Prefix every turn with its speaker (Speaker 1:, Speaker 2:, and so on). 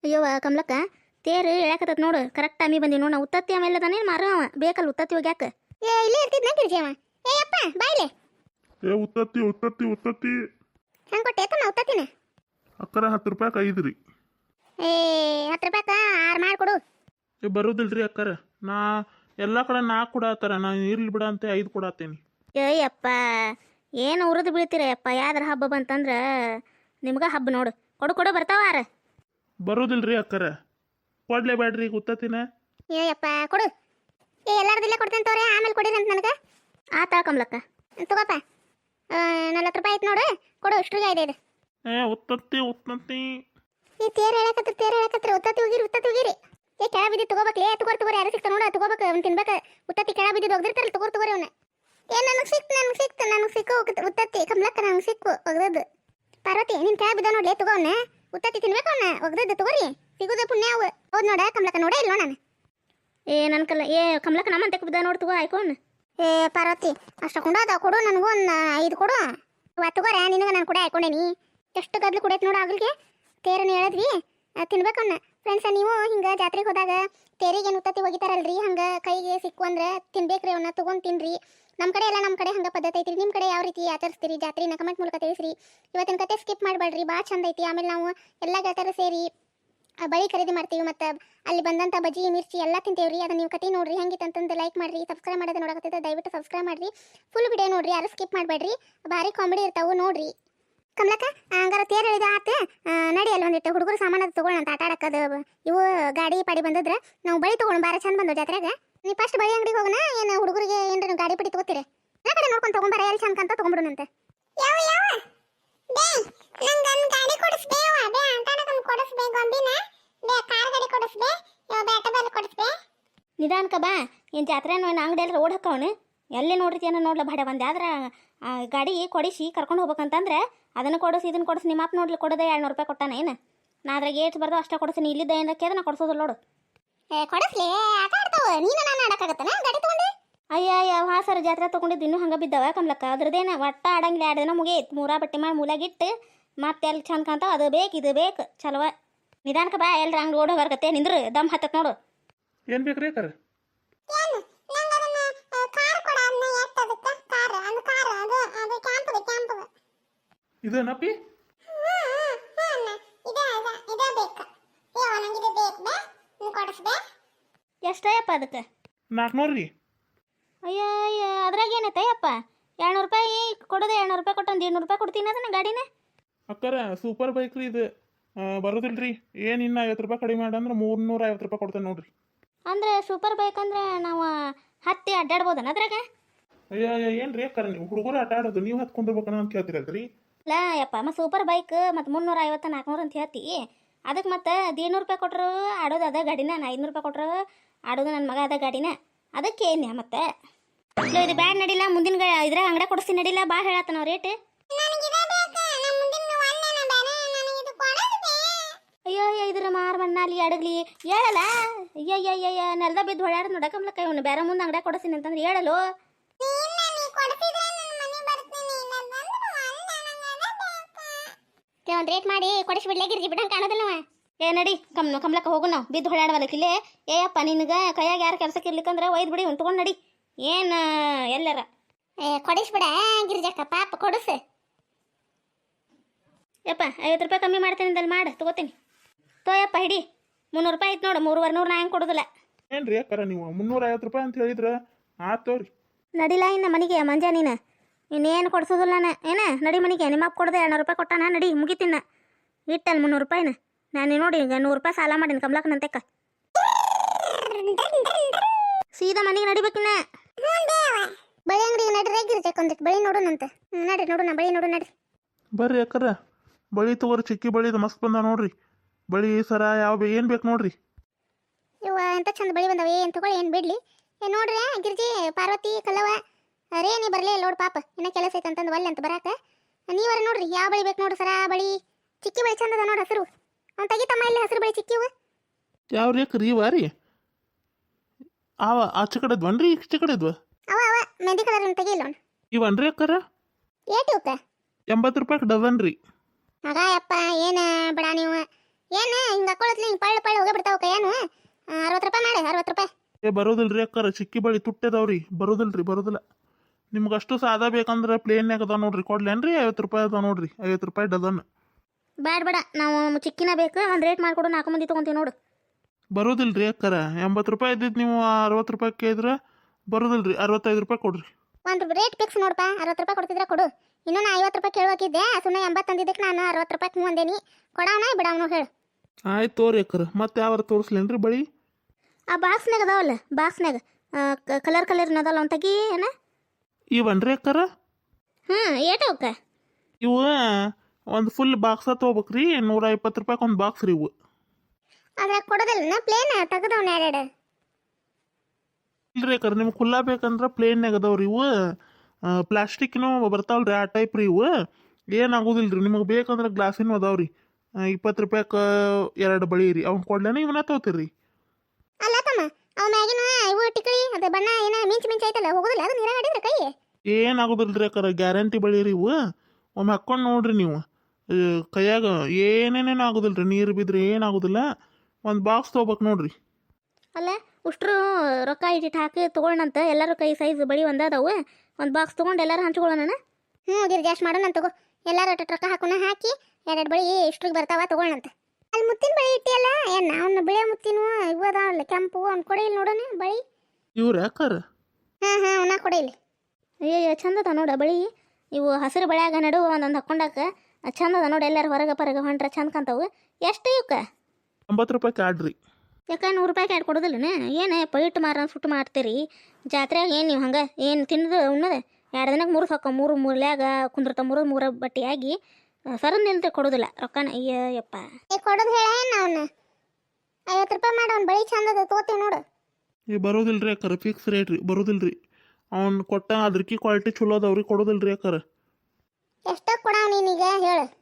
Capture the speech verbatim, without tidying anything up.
Speaker 1: ಅಯ್ಯವ್ವ ಕಮಲಕ್ಕ ತೇರು ಎಳ್ಯಾಕತ್ತತ್ ನೋಡು ಕರೆಕ್ಟ್ ಟೈಮಿಗೆ ಬಂದಿ ನೋಡು ನಾ ಉತ್ತತ್ತಿ ಆಮೇಲೆ ಅದಾನೆ ಮಾರ ಅವ ಬೇಕಲ್ಲ ಉತ್ತತ್ತಿ ಹೋಗ್ಯಾಕ ಏ ಇಲ್ಲೇ ಇರ್ತಿದ್ನ ಗಿರ್ಜಿ ಅವ ಏ ಅಪ್ಪ ಬಾಯ್ಲೆ
Speaker 2: ಏ ಉತ್ತತ್ತಿ ಉತ್ತತ್ತಿ ಉತ್ತತ್ತಿ
Speaker 1: ಹೆಂಗೆ ಕೊಟ್ಟೆ ತಮ್ಮ ಉತ್ತತ್ತಿನ
Speaker 2: ಅಕ್ಕರ ಹತ್ತು ರೂಪಾಯಿ ಐದು ರೀ.
Speaker 1: ಏ ಹತ್ತು ರೂಪಾಯ್ಕ ಆರು ಮಾಡಿಕೊಡು
Speaker 2: ಏ ಬರೋದಿಲ್ರಿ ಅಕ್ಕರ ನಾ ಎಲ್ಲ ಕಡೆ ನಾಲ್ಕು ಕೊಡತ್ತಾರ ನಾ ಇರ್ಲಿ ಬಿಡ ಅಂತ ಐದು ಕೊಡತ್ತೇನಿ.
Speaker 1: ಏಯಪ್ಪ ಏನು ಉರಿದು ಬೀಳ್ತೀರ ಯಪ್ಪ ಯಾವ್ದಾರ ಹಬ್ಬ ಬಂತಂದ್ರೆ ನಿಮ್ಗೆ ಹಬ್ಬ ನೋಡು ಕೊಡು ಕೊಡು ಬರ್ತಾವ ಆರ
Speaker 2: ಬರೋದಿಲ್ರಿ ಅಕ್ಕರ ಕೊಡ್ಲೇಬೇಡ್ರಿ ಈಗ ಉತ್ತತ್ತಿನ.
Speaker 1: ಏಯಪ್ಪ ಕೊಡು ಏ ಎಲ್ಲಾರ್ದಿಲ್ಲ ಕೊಡ್ತೇನೆ ತೋರೆ ಆಮೇಲೆ ಕೊಡಿರಿ ಅಂತ ನನಗೆ ಆತ ಕಮಲಕ್ಕ ತಗೋಪ್ಪ ನಲ್ವತ್ತು ರೂಪಾಯಿ ಆಯ್ತು ನೋಡು ಕೊಡು ಇಷ್ಟ್ರಿಗೆ ಐದು ಐದು
Speaker 2: ಏ ಉತ್ತತ್ತಿ ಉತ್ತತ್ತಿ
Speaker 1: ಈ ತೇರು ಹೇಳಕತ್ರ ತೇರು ಹೇಳಕತ್ರ ಉತ್ತತ್ತಿ ಹೋಗಿರಿ ಉತ್ತತ್ತಿ ಹೋಗಿರಿ ಏ ಕೆಳ ಬಿದ್ದು ತಗೋಬೇಕ್ಲೇ ತಗೋರ್ ತಗೋರಿ ಯಾರು ಸಿಕ್ತ ನೋಡ ತಗೋಬೇಕು ಅವ್ನು ತಿನ್ಬೇಕು ಉತ್ತತ್ತಿ ಕೆಳ ಬಿದ್ದು ಒಗ್ದಿರ್ತಾರಲ್ಲ ತಗೋರ್ ತಗೋರಿ ಅವನ್ನ ಏ ನನಗೆ ಸಿಕ್ತು ನನಗೆ ಸಿಕ್ತು ನನಗೆ ಸಿಕ್ಕು ಉತ್ತತ್ತಿ ಕಮಲಕ್ಕ ನನಗೆ ಸಿಕ್ಕು ಒಗ್ದದ್ದು ಪಾರ್ವತಿ ನಿನ್ ಕೆಳ ಬಿದ್ದ ನೋಡ್ಲೇ ತಗೋ ಅವನ್ನ ಉತ್ತತ್ತಿ ತಿನ್ಬೇಕು ಅವನ್ನ ಒಗ್ದದ್ದು ತಗೋರಿ ಸಿಗುದ ಪುಣ್ಯ ಅವು ಹೌದು ನೋಡ ಕಮಲಕ್ಕ ನೋಡೇ ಇಲ್ಲ ನಾನು ಏ ನನ್ನ ಕಲ್ಲ ಏ ಕಮಲಕ್ಕ ನಮ್ಮಂತೆ ಬಿದ್ದ ನೋಡಿ ತಗೋ ಆಯ್ಕೊಂಡು ಏ ಪಾರ್ವತಿ ಅಷ್ಟ ಕುಂಡದ ಕೊಡು ನನಗೂ ಒಂದು ಐದು ಕೊಡು ತಗೋರ ನಿನಗೆ ನಾನು ಕೂಡ ಹಾಕೊಂಡೇನಿ ಎಷ್ಟು ಗದ್ಲು ಕುಡೈತೆ ನೋಡು ಆಗ್ಲಿಗೆ ತೇರನ್ನು ಹೇಳಿದ್ವಿ ತಿನ್ಬೇಕನ್ನ ಫ್ರೆಂಡ್ಸ ನೀವು ಹಿಂಗೆ ಜಾತ್ರೆಗೆ ಹೋದಾಗ ತೇರಿಗೆ ಏನು ಉತ್ತತ್ತಿ ಒಗಿತಾರಲ್ರಿ ಹಂಗೆ ಕೈಗೆ ಸಿಕ್ಕು ಅಂದ್ರೆ ತಿನ್ಬೇಕ್ರಿ ಅವನ್ನ ತೊಗೊಂಡು ತಿನ್ರಿ ನಮ್ಮ ಕಡೆ ಎಲ್ಲ ನಮ್ಮ ಕಡೆ ಹಂಗೆ ಪದ್ಧತಿ ಐತ್ರಿ ನಿಮ್ಮ ಕಡೆ ಯಾವ ರೀತಿ ಆಚರಿಸ್ತೀರಿ ಜಾತ್ರೆನ ಕಮೆಂಟ್ ಮೂಲಕ ತಿಳಿಸ್ರಿ ಇವತ್ತಿನ ಕತೆ ಸ್ಕಿಪ್ ಮಾಡಬೇಡ್ರಿ ಭಾಳ ಚಂದ ಐತಿ ಆಮೇಲೆ ನಾವು ಎಲ್ಲ ಗೆಳತರು ಸೇರಿ ಬಳಿ ಖರೀದಿ ಮಾಡ್ತೀವಿ ಮತ್ತು ಅಲ್ಲಿ ಬಂದಂಥ ಬಜ್ಜಿ ಮಿರ್ಚಿ ಎಲ್ಲ ತಿಂತೇವ್ರಿ ಅದನ್ನ ನೀವು ಕತೆ ನೋಡ್ರಿ ಹೆಂಗಿತ್ತು ಅಂತಂದು ಲೈಕ್ ಮಾಡಿರಿ ಸಬ್ಸ್ಕ್ರೈಬ್ ಮಾಡೋದು ನೋಡಕತ್ತಿದ್ದೆ ದಯವಿಟ್ಟು ಸಬ್ಸ್ಕ್ರೈಬ್ ಮಾಡಿರಿ ಫುಲ್ ವಿಡಿಯೋ ನೋಡ್ರಿ ಯಾರು ಸ್ಕಿಪ್ ಮಾಡಬೇಡ್ರಿ ಭಾರಿ ಕಾಮಿಡಿ ಇರ್ತಾವೆ ನೋಡ್ರಿ ಕಮಲಕ್ಕ ಹಂಗಾರ ತೇರು ಹೇಳಿದ ಆತ ನಡಿ ಅಲ್ಲಿ ಒಂದಿಟ್ಟು ಹುಡುಗರು ಸಾಮಾನು ತೊಗೊಳ್ಳೋಣ ಅಂತ ಆಟ ಆಡಕ್ಕದು ಇವು ಗಾಡಿ ಪಾಡಿ ಬಂದಿದ್ರೆ ನಾವು ಬಳಿ ತೊಗೊಂಡು ಬಾರ ಚಂದ ಬಂದು ಜಾತ್ರೆಗ ನೀವು ಫಸ್ಟ್ ಬಳಿ ಅಂಗಡಿಗೆ ಹೋಗೋಣ ಏನು ಹುಡುಗರಿಗೆ ಏನ್ರಿ ಗಾಡಿ ಪಡಿ ತಗೋತೀರಿ ಎಲ್ಲ ಕಡೆ ನೋಡ್ಕೊಂಡು ತೊಗೊಂಬಾರ ಎಲ್ಲಿ ಚಂದ ಅಂತ ತೊಗೊಂಬಿಡೋಣಂತೆ ಯಾವ ಯಾವ ಬೇ ನಂಗೆ ಗಾಡಿ ಕೊಡಿಸ್ಬೇವ ಬೇ ಅಂತಾನಕನ್ ಕೊಡಿಸ್ಬೇ ಗೊಂಬಿನ ಬೇ ಕಾರ್ ಗಾಡಿ ಕೊಡಿಸ್ಬೇ ಬ್ಯಾಟ ಬಾಲ್ ಕೊಡಿಸ್ಬೇ ನಿಧಾನಕ ಬಾ ಏನು ಜಾತ್ರೆ ಅಂಗಡಿ ಎಲ್ಲ ರೋಡ್ ಹಾಕವನು ಎಲ್ಲಿ ನೋಡ್ರಿತೀನ ನೋಡ್ಲ ಬಾಡ ಬಂದೆ ಆದ್ರೆ ಗಾಡಿ ಕೊಡಿಸಿ ಕರ್ಕೊಂಡು ಹೋಗ್ಬೇಕಂತಂದ್ರೆ ಅದನ್ನು ಕೊಡಿಸಿ ಇದನ್ನು ಕೊಡಿಸಿ ನಿಮ್ಮ ಅಪ್ಪ ನೋಡ್ಲಿ ಕೊಡೋದೇ ಎರಡು ನೂರು ರೂಪಾಯಿ ಕೊಟ್ಟಾನ ಏನು ನಾ ಅದ್ರಾಗ ಏಟ್ ಬರ್ದು ಅಷ್ಟೇ ಕೊಡಿಸಿ ಇಲ್ಲಿದ್ದ ಏನಕ್ಕೆ ಅದನ್ನ ಕೊಡಿಸೋದಿಲ್ಲ ನೋಡು ಏ ಕೊಡಿಸ್ಲಿ ಆಟ ಆಡ್ತಾವ ನೀನು ನಾನು ಆಡಕ್ಕಾಗತ್ತನ ಗಾಡಿ ತೊಗೊಂಡು ಅಯ್ಯ ಅಯ್ಯ ಹಾಸರ ಜಾತ್ರೆ ತೊಗೊಂಡಿದ್ದು ಇನ್ನೂ ಹಂಗೆ ಬಿದ್ದಾವ ಕಮಲಕ್ಕ ಅದ್ರದ್ದೇನ ಒಟ್ಟ ಆಡಂಗಿಲ್ಲ ಎರಡು ದಿನ ಮುಗಿಯೈತೆ ಮೂರಾ ಬಟ್ಟೆ ಮಾಡಿ ಮೂಲಾಗಿಟ್ಟು ಮತ್ತೆ ಎಲ್ಲಿ ಚಂದ ಕಾಣ್ತಾವ ಅದು ಬೇಕು ಇದು ಬೇಕು ಚಲವ ನಿಧಾನಕ ಬಾ ಎಲ್ರ ಹಂಗೆ ಓಡೋ ಬರ್ಗತ್ತೆ ನಿಂದ್ರು ದಮ್ ಹತ್ತತ್ ನೋಡು
Speaker 2: ಏನು ಬೇಕ್ರಿ ಅಕ್ಕರ ಇದೇನಪ್ಪಿ
Speaker 1: ಎಷ್ಟಯ್ಯಪ್ಪ ಅದಕ್ಕೆ
Speaker 2: ನಾಲ್ಕುನೂರು ರೀ.
Speaker 1: ಅಯ್ಯ ಅಯ್ಯ ಅದ್ರಾಗ ಏನೈತಯ್ಯಪ್ಪ ಎರಡ್ನೂರು ರೂಪಾಯಿ ಕೊಡೋದು ಎರಡ್ನೂರು ರೂಪಾಯಿ ಕೊಟ್ಟೊಂದು ಏಳ್ನೂರು ರೂಪಾಯಿ ಕೊಡ್ತೀನಿ ಅದನ್ನ ಗಾಡಿನ
Speaker 2: ಅಕ್ಕರ ಸೂಪರ್ ಬೈಕ್ ರೀ ಇದು ಬರೋದಿಲ್ರಿ ಏನು ಇನ್ನು ಐವತ್ತು ರೂಪಾಯಿ ಕಡಿಮೆ ಮಾಡಂದ್ರೆ ಮೂರ್ನೂರ ಐವತ್ತು ರೂಪಾಯಿ ಕೊಡ್ತೇನೆ ನೋಡ್ರಿ.
Speaker 1: ಅಂದ್ರೆ ಸೂಪರ್ ಬೈಕ್ ಅಂದ್ರೆ ನಾವು ಹತ್ತಿ ಅಡ್ಡಾಡ್ಬೋದನ ಅದ್ರಾಗ
Speaker 2: ಅಯ್ಯ ಅಯ್ಯ ಏನು ರೀ ಅಕ್ಕರ ನೀವು ಹುಡುಗರು ಆಟ ಆಡೋದು ನೀವು ಹತ್ಕೊಂಡಿರ್ಬೇಕನ್ನ ಅಂತ ಕೇಳ್ತೀರಲ್ರಿ.
Speaker 1: ಇಲ್ಲ ಯಪ್ಪ ಮತ್ತು ಸೂಪರ್ ಬೈಕ್ ಮತ್ತು ಮುನ್ನೂರ ಐವತ್ತು ನಾಲ್ಕುನೂರು ಅಂತ ಹೇಳ್ತಿ ಅದಕ್ಕೆ ಮತ್ತು ಏಳ್ನೂರು ರೂಪಾಯಿ ಕೊಟ್ಟರು ಆಡೋದು ಅದ ಗಾಡಿನ ನಾ ಐದುನೂರು ರೂಪಾಯಿ ಕೊಟ್ಟರು ಆಡೋದು ನನ್ನ ಮಗ ಅದ ಗಾಡಿನ ಅದಕ್ಕೆ ಏನ್ಯ ಮತ್ತೆ ಇಲ್ಲ ಇದು ಬ್ಯಾಡ್ ನಡಿಲ್ಲ ಮುಂದಿನ ಗ ಇದ್ರಾಗ ಅಂಗಡಿ ಕೊಡಿಸಿ ನಡಿಲ್ಲ ಭಾಳ ಹೇಳತ್ತ ನಾವು ರೇಟ್ ಅಯ್ಯೋ ಅಯ್ಯೋ ಇದ್ರ ಮಾರು ಮಣ್ಣಾಲಿ ಅಡಗ್ಲಿ ಹೇಳಲ್ಲ ಅಯ್ಯ ಅಯ್ಯ ಅಯ್ಯ ನೆಲದ ಬಿದ್ದು ಹೊಳ್ಯಾಡ ನೋಡಕಮ್ಲಕ್ಕ ಇವನು ಬೇರೆ ಮುಂದೆ ಅಂಗಡಿ ಕೊಡಿಸ್ತೀನಿ ಅಂತಂದ್ರೆ ಹೇಳಲು ಒಂದು ರೇಟ್ ಮಾಡಿ ಕೊಡಿಸ್ಬಿಡ್ಲೇ ಗಿರ್ಜಿ ಬಿಡಂಗೆ ಕಾಣೋದಿಲ್ಲವ ಏ ನಡಿ ಕಮ್ ಕಮ್ಲಕ್ಕ ಹೋಗು ನಾವು ಬಿದ್ದು ಹೊಳ್ಯಾಡವಲ್ಲಕ್ಕಿಲ್ಲೇ ಏ ಅಪ್ಪ ನಿನಗೆ ಕೈಯಾಗ ಯಾರು ಕೆಲಸಕ್ಕೆ ಇರ್ಲಿಕ್ಕಂದ್ರೆ ಒಯ್ದು ಬಿಡಿ ಉಂಟ್ಕೊಂಡು ನಡಿ ಏನು ಎಲ್ಲರ ಏ ಕೊಡಿಸ್ಬಿಡ ಗಿರ್ಜಕ್ಕ ಪಾಪ ಕೊಡಿಸು ಯಪ್ಪ ಐವತ್ತು ರೂಪಾಯಿ ಕಮ್ಮಿ ಮಾಡ್ತೀನಿ ಅಂದಲ್ಲಿ ಮಾಡು ತಗೋತೀನಿ ತೋಯಪ್ಪ ಹಿಡಿ ಮುನ್ನೂರು ರೂಪಾಯಿ ಐತೆ ನೋಡು ಮೂರುವರೆ ನೂರು ನಾ ಹೆಂಗೆ ಕೊಡೋದಿಲ್ಲ
Speaker 2: ಏನು ರೀ ಅಕ್ಕರ ನೀವು ಮುನ್ನೂರ ಐವತ್ತು ರೂಪಾಯಿ ಅಂತ ಹೇಳಿದ್ರೆ ಆತು ರೀ
Speaker 1: ನಡಿಲ್ಲ ಇನ್ನು ಮನೆಗೆ ಮಂಜ ನೀನು ಇನ್ನೇನು ಕೊಡ್ಸೋದಿಲ್ಲ ನಾನು ಏನ ನಡಿ ಮನೆಗೆ ನಿಮ್ಮ ಅಪ್ಪ ಕೊಡದೆ ಎರಡ್ನೂರು ರೂಪಾಯಿ ಕೊಟ್ಟಾನ ನಡಿ ಮುಗಿತಿನ್ನ ಇಟ್ಟಲ್ಲ ಮುನ್ನೂರು ರೂಪಾಯಿನ ನಾನು ನೋಡಿ ಈಗ ನೂರು ರೂಪಾಯಿ ಸಾಲ ಮಾಡೀನಿ ಕಮ್ಲಕ್ಕನಂತೆಕ್ಕ ಸೀದಾ ಮನೆಗೆ ನಡಿಬೇಕಿನ್ನ ಬಳಿ ಅಂಗಡಿಗೆ ನಡಿ ರೇಗಿರ್ಬೇಕು ಒಂದಿಟ್ಟು ಬಳಿ ನೋಡೋಣಂತೆ ನಡಿ ನೋಡೋಣ ಬಳಿ ನೋಡು ನಡಿ
Speaker 2: ಬರ್ರಿ ಅಕ್ಕರ ಬಳಿ ತಗೋರಿ ಚಿಕ್ಕಿ ಬಳಿದು ಮಸ್ತ್ ಬಂದ ನೋಡ್ರಿ ಬಳಿ ಸರ ಯಾವ ಏನು ಬೇಕು ನೋಡ್ರಿ
Speaker 1: ಇವ ಎಂತ ಚಂದ ಬಳಿ ಬಂದವ ಏನು ತಗೊಳ್ಳಿ ಏನು ಬಿಡ್ಲಿ ಏ ನೋಡ್ರಿ ಗಿರ್ಜಿ ಪಾರ್ವತಿ ಕಲ್ಲವ ರೇ ನೀ ಬರಲೇ ನೋಡು ಪಾಪ ಇನ್ನೂ ಕೆಲಸ ಐತೆ ಅಂತಂದು ಒಲ್ಲೆ ಅಂತ ಬರಾಕ ನೀವರ ನೋಡ್ರಿ ಯಾವ ಬಳಿ ಬೇಕು ನೋಡ್ರಿ ಸರ ಬಳಿ ಚಿಕ್ಕಿ ಬಳಿ ಚಂದದ ನೋಡಿ ಹಸಿರು ಅವ್ನು ತೆಗಿತಮ್ಮ ಇಲ್ಲಿ ಹಸಿರು ಬಳಿ ಚಿಕ್ಕಿವು
Speaker 2: ಯಾವ ರೀ ಅಕ್ಕರಿ ಇವ ರೀ ಅವ ಆಚೆ ಕಡೆದ್ವನ್ರಿ ಈಚೆ ಕಡೆದ್ವ
Speaker 1: ಅವ ಅವ ಮೆಹಂದಿ ಕಲರ್ ತೆಗಿಲ್ಲ ಅವ್ನು
Speaker 2: ಇವನ್ರಿ ಅಕ್ಕರ
Speaker 1: ಏಟು ಇವಕ್ಕ
Speaker 2: ಎಂಬತ್ತು ರೂಪಾಯಿ ಡಜನ್ ರೀ
Speaker 1: ಮಗ ಯಪ್ಪ ಏನು ಬಿಡ ನೀವು ಏನು ಹಿಂಗೆ ಹಾಕೊಳ್ಳತ್ಲಿ ಹಿಂಗೆ ಪಳ್ಳ ಪಳ್ಳ ಹೋಗೇ ಬಿಡ್ತಾವ ಕೈಯಾನು ಅರವತ್ತು ರೂಪಾಯಿ ಮಾಡಿ ಅರವತ್ತು ರೂಪಾಯಿ.
Speaker 2: ಏ ಬರೋದಿಲ್ರಿ ಅಕ್ಕಾರ, ಚಿಕ್ಕಿ ಬಳಿ ತುಟ್ಟದವ್ರಿ, ಬರೋದಿಲ್ರಿ ಬರೋದಿಲ್ಲ. ನಿಮ್ಗೆ ಅಷ್ಟು ಸಾದಾ ಬೇಕಂದ್ರೆ ಪ್ಲೇನ್ಯಾಗ ಅದ ನೋಡ್ರಿ, ಕೊಡ್ಲೇನ್ರಿ? ಐವತ್ತು ರೂಪಾಯಿ ಅದ ನೋಡ್ರಿ, ಐವತ್ತು ರೂಪಾಯಿ ಡಜನ್.
Speaker 1: ಬೇಡ ಬೇಡ, ನಾವು ಚಿಕ್ಕಿನ ಬೇಕು, ಒಂದು ರೇಟ್ ಮಾಡಿಕೊಡು, ನಾಲ್ಕು ಮಂದಿ ತೊಗೊಂತೀವಿ ನೋಡು.
Speaker 2: ಬರೋದಿಲ್ರಿ ಅಕ್ಕಾರ, ಎಂಬತ್ತು ರೂಪಾಯಿ ಇದ್ದಿದ್ದು ನೀವು ಅರವತ್ತು ರೂಪಾಯಿ ಕೇಳಿದ್ರೆ ಬರೋದಿಲ್ರಿ, ಅರವತ್ತೈದು ರೂಪಾಯಿ ಕೊಡ್ರಿ.
Speaker 1: ಒಂದು ರೇಟ್ ಫಿಕ್ಸ್ ನೋಡಪ್ಪ, ಅರವತ್ತು ರೂಪಾಯಿ ಕೊಡ್ತಿದ್ರೆ ಕೊಡು. ಇನ್ನೂ ನಾ ಐವತ್ತು ರೂಪಾಯಿ ಕೇಳುವಕ್ಕಿದ್ದೆ, ಸುಮ್ಮನೆ ಎಂಬತ್ತು ಅಂದಿದ್ದಕ್ಕೆ ನಾನು ಅರವತ್ತು ರೂಪಾಯಿ ಹ್ಞೂ ಅಂದೇನಿ. ಕೊಡವನ ಬಿಡವನು ಹೇಳು.
Speaker 2: ಆಯ್ತು ತೋರಿ ಅಕ್ಕಾರ, ಮತ್ತೆ ಯಾವ್ದು ತೋರಿಸ್ಲೇನ್ರಿ ಬಳಿ?
Speaker 1: ಆ ಬಾಕ್ಸ್ನಾಗ ಅದಾವಲ್ಲ, ಬಾಕ್ಸ್ನಾಗ ಕಲರ್ ಕಲರ್ ಅದಲ್ಲ ಒಂದು ತೆಗಿ ಏನ
Speaker 2: ಇವನ್ರಿ ಅಕ್ಕಾರ?
Speaker 1: ಹ್ಞೂ ಏಟ ಅವಕ್ಕ?
Speaker 2: ಇವು ಒಂದು ಫುಲ್ ಬಾಕ್ಸ ತೊಗೋಬೇಕ್ರಿ, ನೂರ ಇಪ್ಪತ್ತು ರೂಪಾಯಿ ಒಂದು ಬಾಕ್ಸ್ ರೀ ಇವು.
Speaker 1: ಅದ್ರಾಗ ಕೊಡೋದಿಲ್ಲ ಪ್ಲೇನ್ ತೆಗೆದವನ ಎರಡೆರಡು.
Speaker 2: ಇಲ್ರಿ ಅಕ್ಕಾರ, ನಿಮ್ಗೆ ಖುಲ್ಲಾ ಬೇಕಂದ್ರೆ ಪ್ಲೇನ್ಯಾಗ ಅದಾವ್ರಿ ಇವು. ಪ್ಲಾಸ್ಟಿಕ್ನು ಬರ್ತಾವಲ್ರಿ ಆ ಟೈಪ್ ರೀ ಇವು. ಏನಾಗೋದಿಲ್ಲ ರೀ, ನಿಮಗೆ ಬೇಕಂದ್ರೆ ಗ್ಲಾಸಿನೂ ಅದಾವ್ರಿ. ಇಪ್ಪತ್ತು ರೂಪಾಯಿಗೆ ಎರಡು ಬಳಿ ರೀ, ಅವ್ನು ಕೊಡ್ಲೇನೆ ಇವನ್ನ ತೊಗೋತೀರಿ.
Speaker 1: ಅಲ್ಲ ತಮ್ಮ, ಅವ ಮ್ಯಾಗಿನ ಇವು ಟಿಕಳಿ ಅದು ಬಣ್ಣ ಏನ ಮಿಂಚು ಮಿಂಚು ಐತಲ್ಲ, ಹೋಗೋದಿಲ್ಲ ಅದು ನೀರಾಗ ಆಡಿದ್ರೆ ಕೈ?
Speaker 2: ಏನಾಗೋದಿಲ್ರಿ ಅಕ್ಕಾರ, ಗ್ಯಾರಂಟಿ ಬಳಿ ರೀ ಇವು. ಒಮ್ಮೆ ಹಾಕ್ಕೊಂಡು ನೋಡ್ರಿ ನೀವು, ಕೈಯಾಗ ಏನೇನೇನು ಆಗೋದಿಲ್ರಿ, ನೀರು ಬಿದ್ದರೆ ಏನಾಗೋದಿಲ್ಲ. ಒಂದು ಬಾಕ್ಸ್ ತೊಗೋಬೇಕು ನೋಡ್ರಿ.
Speaker 1: ಅಲ್ಲ ಉಷ್ಟ್ರು ರೊಕ್ಕ ಇಟ್ಟಿಟ್ಟು ಹಾಕಿ ತೊಗೊಳ್ಳಂತ, ಎಲ್ಲರೂ ಕೈ ಸೈಜ್ ಬಳಿ ಒಂದ ಅದಾವು, ಒಂದು ಬಾಕ್ಸ್ ತೊಗೊಂಡು ಎಲ್ಲರೂ ಹಂಚ್ಕೊಳ್ಳೋಣ. ಹ್ಞೂ ಗಿರಿ ಜಾಸ್ತಿ ಮಾಡೋಣ ತಗೋ, ಎಲ್ಲರೂ ಅಷ್ಟು ರೊಕ್ಕ ಹಾಕೋಣ, ಹಾಕಿ ಎರಡು ಬಳಿ ಇಷ್ಟ್ರಿಗೆ ಬರ್ತಾವ ತೊಗೊಳ್ಳಂತ. ಅಲ್ಲಿ ಮುತ್ತಿನ ಬಳಿ ಇಟ್ಟಿಯಲ್ಲ, ಏನು ಅವ್ನು ಬಿಳೆ ಮುತ್ತಿನ ಇವು ಅದಾವಲ್ಲ ಕೆಂಪು, ಅವ್ನು ಕೊಡಿ ಇಲ್ಲಿ ನೋಡೋಣ ಬಳಿ.
Speaker 2: ಇವ್ರು ಯಾಕಾರ?
Speaker 1: ಹಾಂ ಹಾಂ ಅವನ್ನ ಕೊಡಿ ಇಲ್ಲಿ. ಅಯ್ಯೋ ಚಂದ ಅದ ನೋಡ ಬಳಿ, ಇವು ಹಸಿರು ಬಳ್ಯಾಗ ನಡುವ ಒಂದೊಂದು ಹಾಕ್ಕೊಂಡಾಕ ಚಂದ ಅದ ನೋಡಿ, ಎಲ್ಲರೂ ಹೊರಗೆ ಪರಗೆ ಹೊಂಟ್ರೆ ಚಂದ ಕಾಣ್ತಾವು. ಎಷ್ಟು ಇವಕ್ಕೆ?
Speaker 2: ಒಂಬತ್ತು ರೂಪಾಯಿ ಕಾಡ್ರಿ.
Speaker 1: ಯಾಕೆ ನೂರು ರೂಪಾಯಿ ಕ್ಯಾಡ್ ಕೊಡೋದಿಲ್ಲನ? ಏನು ಪೈಟ್ ಮಾರ ಸುಟ್ಟು ಮಾಡ್ತೀರಿ ಜಾತ್ರೆಯಾಗ? ಏನು ನೀವು ಹಂಗೆ ಏನು ತಿನ್ನೋದು ಉಣ್ಣದ? ಎರಡು ದಿನಕ್ಕೆ ಮೂರು ಸಾಕು, ಮೂರು ಮೂರ್ಲ್ಯಾಗ ಕುಂದಿರ್ತಾವ, ಮೂರು ಮೂರು ಬಟ್ಟೆಯಾಗಿ ಸರನ್ ನಿಲ್ತೆ ಕೊಡೋದಿಲ್ಲ ರೊಕ್ಕನ. ಅಯ್ಯ ಯಪ್ಪ ಕೊಡೋದು ಹೇಳ ಏನು ಅವನ್ನ? ಐವತ್ತು ರೂಪಾಯಿ ಮಾಡಿ ಅವ್ನು ಬಳಿ ಚಂದ ಅದ ತೊಗೋತೀವಿ ನೋಡು.
Speaker 2: ಈ ಬರೋದಿಲ್ರಿ ಅಕ್ಕಾರ, ಫಿಕ್ಸ್ ರೇಟ್ ರೀ, ಬರೋದಿಲ್ರಿ. ಅವ್ನು ಕೊಟ್ಟ ಅದ್ರಕಿ ಕ್ವಾಲಿಟಿ ಚಲೋ ಅದಾವ್ರಿ, ಕೊಡೋದಿಲ್ರಿ ಅಕ್ಕಾರ.
Speaker 1: ಎಷ್ಟಕ್ಕೆ ಕೊಡವ ನೀನೀಗ ಹೇಳು?